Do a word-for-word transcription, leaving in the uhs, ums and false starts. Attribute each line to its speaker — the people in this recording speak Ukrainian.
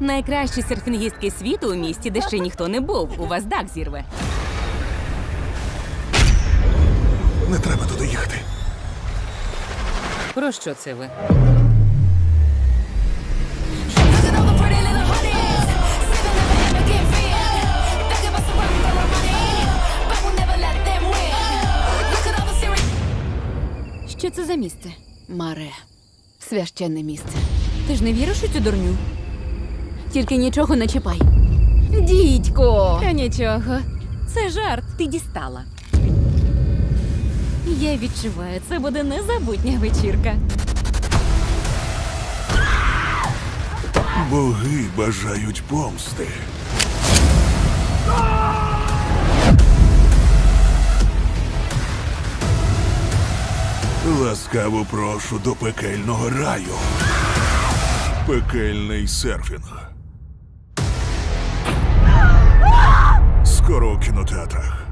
Speaker 1: Найкращі серфінгістки світу у місті, де ще ніхто не був. У вас дах зірве.
Speaker 2: Не треба туди їхати.
Speaker 1: Про що це ви?
Speaker 3: Looking over pretty little honeys, sipping never ever get filled. Think about some run for our money, but we'll never let them win. Look at all the serious.
Speaker 4: Що це за місце? Маре. Священне місце. Ти ж не віриш у цю дурню? Тільки нічого не чіпай. Дідько!
Speaker 1: Та нічого. Це жарт. Ти дістала. Я відчуваю, це буде незабутня вечірка.
Speaker 2: Боги бажають помсти. Ласкаво прошу до пекельного раю. Пекельний серфінг. Скоро у кінотеатрах.